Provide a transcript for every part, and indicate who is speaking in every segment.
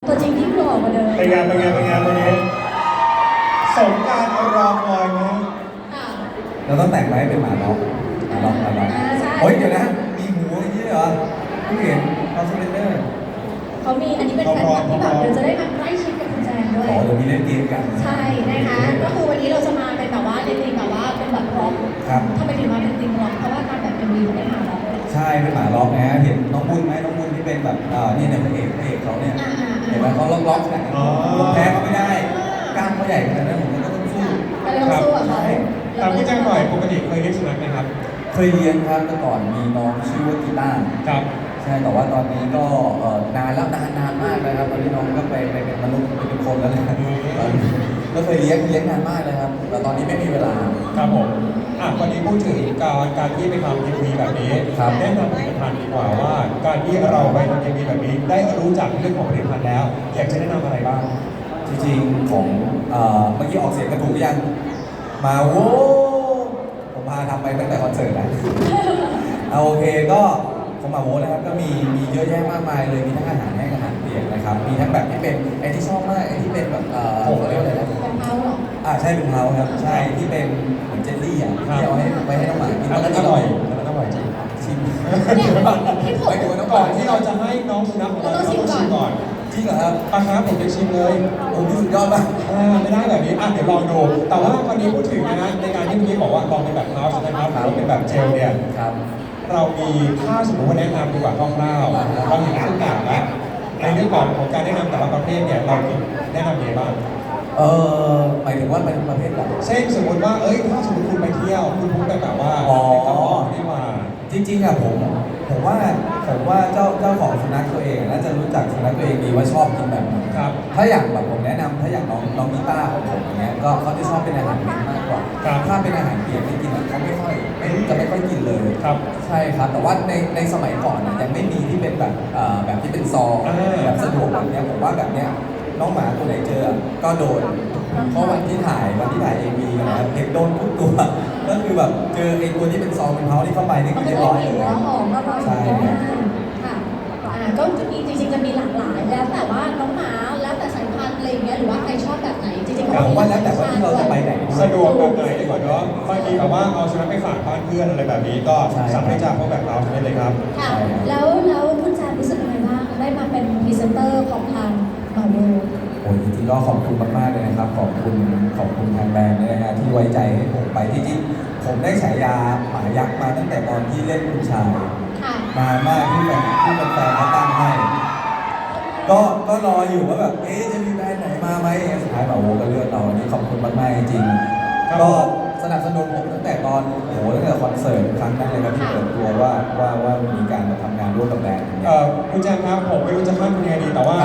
Speaker 1: ตัวจริงที่หล่อกว่าเดิม
Speaker 2: เป็นไงวันนี้สมการรอคอยไหม
Speaker 3: เราต้องแต่งไว้เป็นหมาล็อกโอ้ยเดี๋ยวนะมีหูอย่างนี้เหรอไม่เห็นเขาสเปนเดอร์
Speaker 1: เขามีอันนี้เป็นแฟนคลับที่แบบเดี๋ยวจะได้มาใกล้ชิดกับคุณแจงด้วย
Speaker 3: อ๋อเดี๋ยวมีเล่นเกมกัน
Speaker 1: ใช่นะคะก็คือวันนี้เราจะมาเป็นแบบว่าในธีมแบบว่าเป็นแบบร็อกทำไมถึงมาเป็นธีมร็อกเพราะว่าการแบบเป็นวีเขาได้มาร็อก
Speaker 3: ใช่เป็นหมาล็อกนะเห็นน้องบุญไหมน้องบุญที่เป็นแบบนี่เนี่ยพระเอกเขาเนี่ยเห็นไหมเขาล็อกๆเนี่ยผมแพ้เขาไม่ได้กล้ามเขาใหญ่ขนาดนั้นผมก็ต้องสู้
Speaker 1: กับเขา
Speaker 2: แต่พี่แจ้งหน่อยปกติเคยเลี้ยงสุนัขไหมครับ
Speaker 3: เคยเลี้ยงครับแต่ก่อนมีน้องชื่อว่ากีตาร์
Speaker 2: ครับ
Speaker 3: ใช่แต่ว่าตอนนี้ก็นานแล้วนานมากเลยครับตอนนี้น้องก็ไปเป็นมนุษย์เป็นคนแล้วนะก็เคยเลี้ยงนานมากเลยครับแต่ตอนนี้ไม่มีเวลา
Speaker 2: ครับผมวันนี้พูดถึงการที่ไปทำทีวีแบบนี้แนะนำผลิตภัณฑ์ดีกว่าว่าการที่เราไปทำทีวีแบบนี้ได้รู้จักเรื่องของผลิตภัณฑ์แล้วอยากจะแนะนำอะไรบ้าง
Speaker 3: จริงๆของเมื่อกี้ออกเสียงกระถูกยังมาโว้ผมพาทำไปตั้งแต่คอนเสิร์ตแล้วโอเคก็ของมาโว้นะครับก็มีเยอะแยะมากมายเลยมีทั้งอาหารแห้งอาหารเปียกนะครับมีทั้งแบบที่เป็นไอ้ที่ชอบมากไอ้ที่เป็นแบบเขาเรียกว่าอะไรนะ
Speaker 1: เป็นเท้าหรอ
Speaker 3: ใช่เป็นเท้าครับใช่ที่เป็นเหมือนเจลลี่ที่เอาให้ไว้ให้น้องหมากิน
Speaker 2: แล้วอร่อยจริง
Speaker 3: ชิม
Speaker 2: ไปดูก่อนที่เราจะให้น้องสุนัขของเราต้องชิมก่อน
Speaker 3: จริงเหรอครับ
Speaker 2: ผมจะชิมเลย
Speaker 3: โอ้ยสุดยอดมาก
Speaker 2: ไม่ได้แบบนี้เดี๋ยวลองดูแต่ว่าวันนี้พูดถึงนะในการที่เมื่อกี้บอกว่าลองเป็นแบบเท้าใช่ไหมครับหรือเป็นแบบเจลเนี่ยเรามีถ้าสมมติว่าแนะนำดีกว่าคร่าวๆเราเห็นทุกอย่างแล้วในเรื่องของการแนะนำแต่ละประเภทเนี่ยเราแนะนำยังไงบ้าง
Speaker 3: หมายถึงว่าเป็นประเภทแบบ
Speaker 2: เช่นสมมติว่าถ้าสมมติคุณไปเที่ยวคุณพูดแบบว่าไม่มา
Speaker 3: จริงๆผมว่าเจ้าของสุนัขตัวเองน่าจะรู้จักสุนัขตัวเองดีว่าชอบกินแบบไหนถ้าอย่างแบบผมแนะนำถ้าอย่างน้องนิต้าของผมอย่างเงี้ยก็เขาจะชอบเป็นอาหารเม็ดมากกว่าถ้าเป็นอาหารเปียกที่กินเขาไม่ค่อยกินเลยใช่ครับแต่ว่าในสมัยก่อนยังไม่มีที่เป็นแบบที่เป็นซองแบบสะดวกแบบเนี้ยผมว่าแบบเนี้ยน้องหมาตัวไหนเจอก็โดนเพราะวันที่ถ่ายเอวีกันนะเด็กโดนทุกตัวก็คือแบบเจอไอ้ตัวที่เป็นซองเป็นเท้าที่เข้าไปนี่คือเรียบร้อยเลย
Speaker 1: ใช่ค่ะก็จริงๆจะมีหลากหลายแล้วแต่ว่าน้องหมาแล้วแต่สายพันธุ์อะไรอย่างเงี้ยหรือว่าใครชอบแบบไหนจริงๆ
Speaker 3: ผมว่าแล้วแต่ว่าที่เราจะไปไหน
Speaker 2: สะดวกแบบไหนดีกว่าเนาะบางทีแบบว่าเอาสุนัขไปฝากบ้านเพื่อนอะไรแบบนี้ก็สามารถจะพบแบบเราได้เลยครับ
Speaker 1: ค่ะแล้วคุณแจมรู้สึกยังไงบ้างได้มาเป็นพรีเซนเตอร์ของทางมาโว
Speaker 3: โอ้ยจริงๆก็ขอบคุณมากๆเลยนะครับขอบคุณทางแบรนด์นะฮะที่ไว้ใจให้ผมไปจริงๆผมได้ฉายาหมายักษ์มาตั้งแต่ตอนที่เล่นคุณชายนานมากที่แฟนเขาตั้งให้ก็รออยู่ว่าแบบจะมีแบรนด์ไหนมาไหมสุดท้ายมาโวก็เลือกเราอันนี้ขอบคุณมากๆจริงๆก็สนับสนุนผมตั้งแต่ตอนตั้งแต่คอนเสิร์ตครั้งนั้นเลยครับที่เปิดตัวว่ามีการมาทำงานร่วมกับแบรนด์
Speaker 2: คุณแจมครับผมไม่รู้จะข้ามคุณยังไงดีแต่ว่า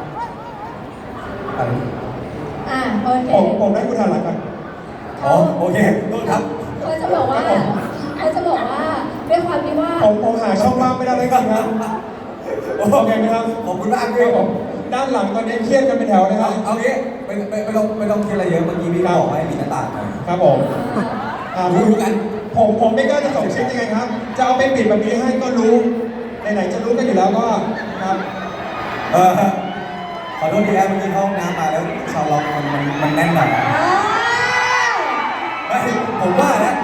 Speaker 1: โอเค
Speaker 2: ผมได้คุณทันละกัน
Speaker 3: โอเคต้นครับ
Speaker 1: เขาจะบอกว่าด้วยความที่ว่า
Speaker 2: ผมหาช่องว่างไม่ได้เลยครับโอเคไหมครับ
Speaker 3: ขอบคุณมากเลยผม
Speaker 2: ด้านหลังตอนนี้เครียดกันเป็นแถวนะครับ
Speaker 3: เอางี้ไม่ต้องคิดอะไรเยอะเมื่อกี้พี่บอกให้มีหน้าต่าง
Speaker 2: ครับผม
Speaker 3: รู้กัน
Speaker 2: ผมไม่กล้าจะส่งชิ้นยังไงครับจะเอาไปปิดแบบนี้ให้ก็รู้ไหนๆจะรู้กันอยู่แล้วก็ครับ
Speaker 3: ขอโทษทีครับเมื่อกี้เข้าห้องน้ำมาแล้วชาวล็อกมันแน่นหน่อยไม่ผมว่านะ